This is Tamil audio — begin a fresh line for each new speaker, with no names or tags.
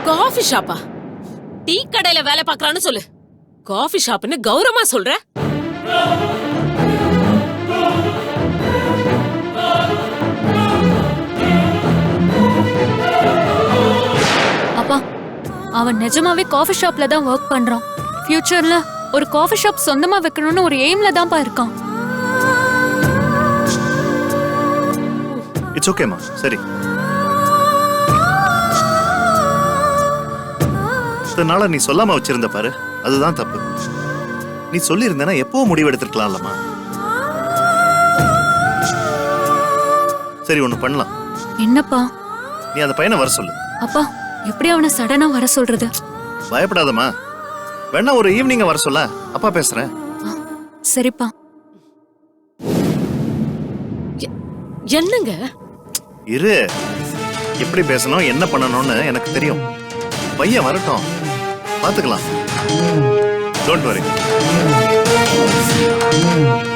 காஃபி ஷாப்பா? டீ கடையில வேலை பார்க்கறான்னு சொல்லு. காஃபி ஷாப்னு கௌரவமா சொல்ற?
அப்பா, அவன் நிஜமாவே காஃபி ஷாப்ல தான் ஒர்க் பண்றான். ஃபியூச்சர்ல ஒரு காஃபி ஷாப் சொந்தமா வைக்கணும்னு ஒரு எய்ம்ல தான்ப்பா இருக்கான்.
இட்ஸ் ஓகேமா. சரி, இதனால நீ சொல்லாம வச்சிருந்த பாரு, அதுதான் தப்பு. நீ சொல்லி இருந்தனா எப்போ முடிவு எடுத்துக்கலாம்லமா. சரி, ஒண்ணு பண்ணலாம்.
என்னப்பா?
நீ அந்த பையனை வர சொல்லு.
அப்பா, எப்படி அவனை சடனா வர சொல்றது?
பயப்படாதம்மா. வேணா ஒரு ஈவினிங் வர சொல்ல, அப்பா பேசுறேன்.
சரிப்பா.
என்னங்க?
இரு, எப்படி பேசணும் என்ன பண்ணணும்னு எனக்கு தெரியும். பையன் வரட்டும், பாத்துக்கலாம். Don't worry.